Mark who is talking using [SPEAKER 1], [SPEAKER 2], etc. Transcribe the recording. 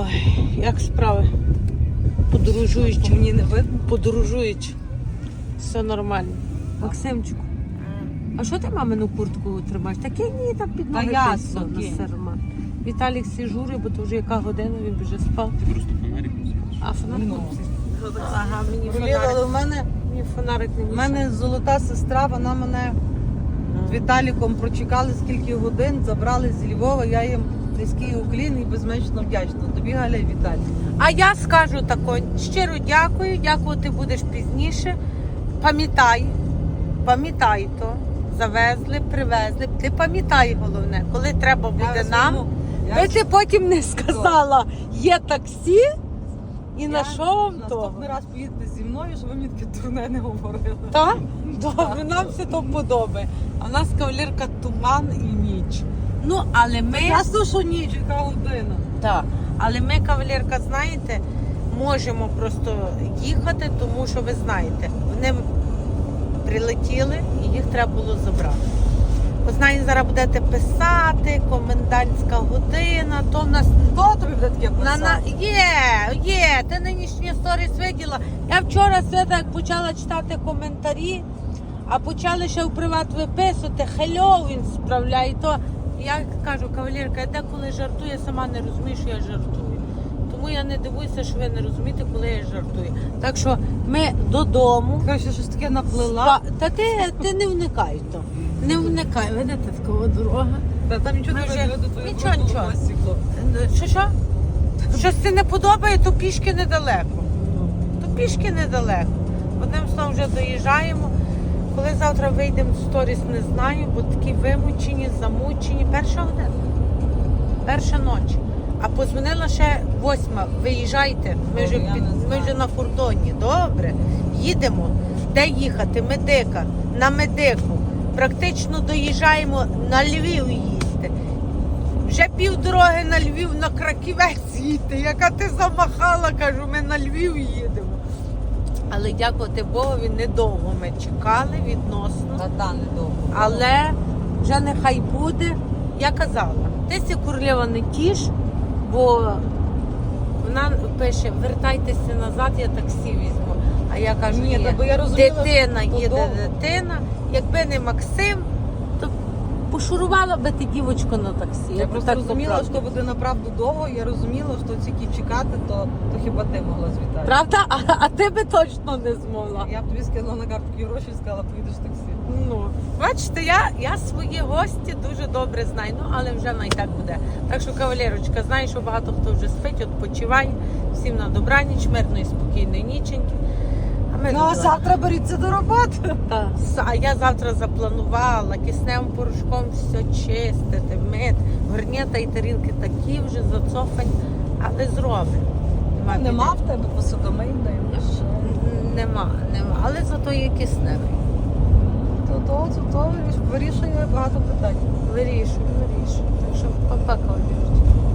[SPEAKER 1] Ой, як справи? Подорожують.
[SPEAKER 2] Мені не видно.
[SPEAKER 1] Подорожують. Все нормально. Максимчику, а що ти мамину куртку тримаєш? Таке ні, там під ноги
[SPEAKER 2] ясно,
[SPEAKER 1] тисно,
[SPEAKER 2] окей.
[SPEAKER 1] на серма. Віталік всі жури, бо то вже яка година, він вже спав.
[SPEAKER 3] Ти просто фонарик носиш.
[SPEAKER 1] А фонарик?
[SPEAKER 2] Ну.
[SPEAKER 1] Ага, мені
[SPEAKER 2] Блін, але
[SPEAKER 1] фонарик.
[SPEAKER 2] в мене,
[SPEAKER 1] Мені фонарик не
[SPEAKER 2] в мене золота сестра, вона мене з Віталіком прочекали скільки годин, забрали з Львова, я їм низький уклін і безмежно вдячна. Тобі, Галя, і Віталій.
[SPEAKER 1] А я скажу тако, щиро дякую, дякувати будеш пізніше. Пам'ятай то, завезли, привезли. Ти пам'ятай головне, коли треба буде нам. Би ти потім не сказала, є таксі і на що вам то?
[SPEAKER 2] Наступний раз поїдете зі мною, щоб ви мені таке дурне не говорили.
[SPEAKER 1] Так? Добре, нам все то подобає. А в нас кавалерка туман і ніч. Ну, але ми...
[SPEAKER 2] Ясно, що ніч, яка година.
[SPEAKER 1] Так, але ми, кавалерка, знаєте, можемо просто їхати, тому що ви знаєте, вони прилетіли і їх треба було забрати. Ви знаєте, зараз будете писати, комендантська година, то в нас...
[SPEAKER 2] Хто тобі буде таке писати?
[SPEAKER 1] Є, ти нинішні сторіс виділа. Я вчора свята, як почала читати коментарі, а почали ще в приват виписувати, хельо він справляє, то я кажу, кавалерка, я деколи жартую, я сама не розумію, що я жартую. Тому я не дивуюся, що ви не розумієте, коли я жартую. Так що ми додому.
[SPEAKER 2] Каже, щось таке наплила.
[SPEAKER 1] Та ти не вникай то. Не вникай, видите, такова дорога.
[SPEAKER 2] Та там нічого не
[SPEAKER 1] Ми вже-
[SPEAKER 2] видно, до твоєї
[SPEAKER 1] Нічого,
[SPEAKER 2] просто
[SPEAKER 1] нічого.
[SPEAKER 2] стекло.
[SPEAKER 1] Що? Щось ти не подобає, то пішки недалеко. То пішки недалеко. Одним словом вже доїжджаємо. Коли завтра вийдемо в сторіс, не знаю, бо такі вимучені, замучені. Перша година. Перша ніч. А позвонила ще 8. Виїжджайте. Ми вже,
[SPEAKER 2] Я не
[SPEAKER 1] ми
[SPEAKER 2] знаю.
[SPEAKER 1] вже на кордоні. Добре. Їдемо. Де їхати? Медика. На медику. Практично доїжджаємо на Львів їсти. Вже півдороги на Львів, на Краківець їдьте. Яка ти замахала, кажу, ми на Львів їдемо. Але дякувати Богові, недовго ми чекали відносно.
[SPEAKER 2] Та недовго.
[SPEAKER 1] Але вже нехай буде. Я казала, ти сі королева не тіш, бо вона пише, вертайтеся назад, я таксі візьму. А я кажу,
[SPEAKER 2] Ні,
[SPEAKER 1] ні,
[SPEAKER 2] та бо я розуміла,
[SPEAKER 1] дитина
[SPEAKER 2] що
[SPEAKER 1] їде,
[SPEAKER 2] довго.
[SPEAKER 1] дитина. Якби не Максим, то пошурувала би ти дівочку на таксі.
[SPEAKER 2] Я
[SPEAKER 1] б
[SPEAKER 2] просто
[SPEAKER 1] так
[SPEAKER 2] розуміла,
[SPEAKER 1] по-правді.
[SPEAKER 2] що буде направду довго, я розуміла, що тільки чекати, то хіба ти могла з Віталієм.
[SPEAKER 1] Правда? А ти би точно не змогла.
[SPEAKER 2] Я б тобі скинула на картку гроші і сказала, поїдеш в таксі.
[SPEAKER 1] Ну, бачите, я свої гості дуже добре знаю, ну але вже не так буде. Так що, кавалерочка, знаю, що багато хто вже спить, відпочиває. Всім на добраніч, мирної, спокійної ніченьки. А ми
[SPEAKER 2] Ну, а
[SPEAKER 1] добра-
[SPEAKER 2] завтра беріться до роботи.
[SPEAKER 1] Та, а я завтра запланувала кисневим порошком все чистити, мити. Горнята і тарілки такі вже зацофані, але зробимо.
[SPEAKER 2] Нема в тебе посудомийної машини.
[SPEAKER 1] Нема. Але зато є кисневий.
[SPEAKER 2] То вирішує багато питань.
[SPEAKER 1] Вирішую. Так що папа, кавалерочка.